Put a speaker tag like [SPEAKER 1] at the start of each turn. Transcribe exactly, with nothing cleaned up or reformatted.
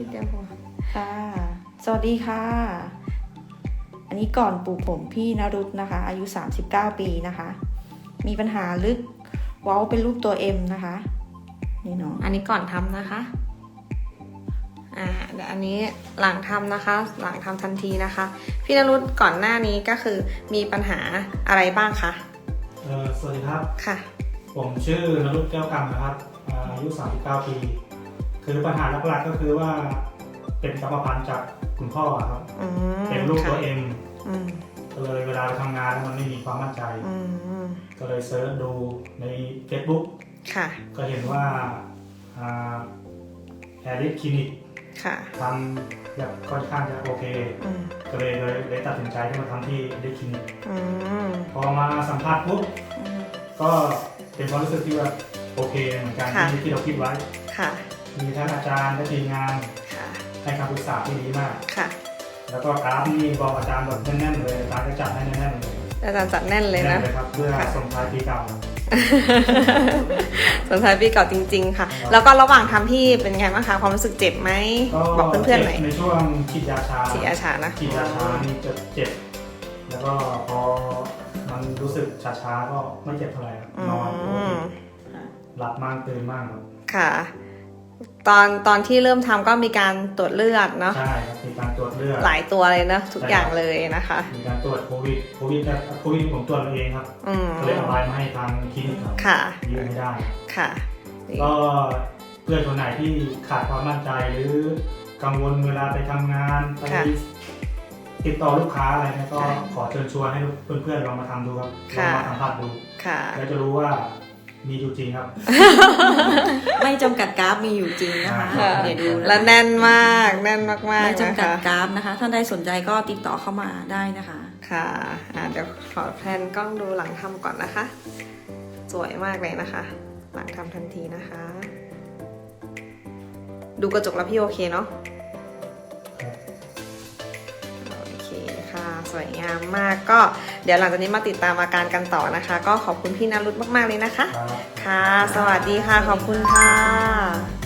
[SPEAKER 1] พี่เตรียมหัว
[SPEAKER 2] ค่ะสวัสดีค่ะอันนี้ก่อนปลูกผมพี่นรุตนะคะอายุสามสิบเก้าปีนะคะมีปัญหาลึกเว้าเป็นรูปตัว M นะคะนี่เนาะ
[SPEAKER 1] อันนี้ก่อนทำนะคะอ่าเดี๋ยวอันนี้หลังทำนะคะหลังทำทันทีนะคะพี่นรุตก่อนหน้านี้ก็คือมีปัญหาอะไรบ้างคะ
[SPEAKER 3] เอ่อสวัสดีครับ
[SPEAKER 1] ค่ะ
[SPEAKER 3] ผมชื่อนรุตแก้วกำนะครับอายุสามสิบเก้าปีคือปัญหาหลักๆก็คือว่าเป็นกรรมพันธุ์จากคุณพ่อครับเป็นลูกตัวเอ็มก็เลยเวลาไปทำงานแล้วมันไม่มีความมั่นใจก็เลยเซิร์ชดูใน Facebook
[SPEAKER 1] ค่ะ
[SPEAKER 3] ก็เห็นว่าแอริสคลินิกทำแบบค่อนข้างจะโอเคก็เลยเลยตัดสินใจที่มาทำที่แอริสคลินิกพอมาสัมภาษณ์ปุ๊บก็เป็นความรู้สึกที่ว่าโอเคเหมือนกันที่ที่เราคิดไว้มีทั้งอาจารย์และทีมงานให้คำปรึกษาที่ดีมากแล้วก็กราฟนี่บอกอาจารย์แบบแน่นๆเลยอาจารย์ก็จัดให้แน่นๆเลย
[SPEAKER 1] อาจารย์จัดแน่นเลยนะ
[SPEAKER 3] ครับเพื่อส่งท้ายปีเก่า
[SPEAKER 1] ส่งท้ายปีเก่าจริงๆค่ะแล้วก็ระหว่างทำพี่เป็นไงบ้างคะความรู้สึกเจ็บไหมบอกเพื่อนๆหน่อย
[SPEAKER 3] ในช่วงฉีดยาชา
[SPEAKER 1] ฉีดยาชานะ
[SPEAKER 3] ฉีดยาชานี่จะเจ็บแล้วก็พอมันรู้สึกชาๆก็ไม่เจ็บเท่าไหร่นอนหลับมากตื่นมากครับ
[SPEAKER 1] ค่ะตอนตอนที่เริ่มทำก็มีการตรวจเลือดเนาะ
[SPEAKER 3] ใช่ครับมีการตรวจเลือด
[SPEAKER 1] หลายตัวเลยนะทุกอย่างเลยนะคะ
[SPEAKER 3] มีการตรวจโควิดโควิดแต่โควิดผมตรวจเองครับก็เลยเอาใบมาให้ทางคลินิกครับยืนไม่ได้
[SPEAKER 1] ค่ะ
[SPEAKER 3] ก็เพื่อนคนไหนที่ขาดความมั่นใจหรือกังวลเวลาไปทำงานไปติดต่อลูกค้าอะไรเนี่ยก็ขอเชิญชวนให้เพื่อนๆลองมาทำดูครับลองมาสัมผัสดูแล้วจะรู้ว่ามีอยู่จริงครับ
[SPEAKER 2] ไม่จำกัดกราฟมีอยู่จริงนะคะเดี๋ยวดู
[SPEAKER 1] และแน่นมากแน่นมากๆ
[SPEAKER 2] ไม่จำกัดกราฟนะคะท่านใดสนใจก็ติดต่อเข้ามาได้นะคะ
[SPEAKER 1] ค่ะเดี๋ยวขอแพนกล้องดูหลังทำก่อนนะคะสวยมากเลยนะคะหลังทำทันทีนะคะดูกระจกแล้วพี่โอเคเนาะสวยงามมากก็เดี๋ยวหลังจากนี้มาติดตามอาการกันต่อนะคะก็ขอบคุณพี่นรุตมากๆเลยนะคะค่ะสวัสดีค่ะขอบคุณค่ะ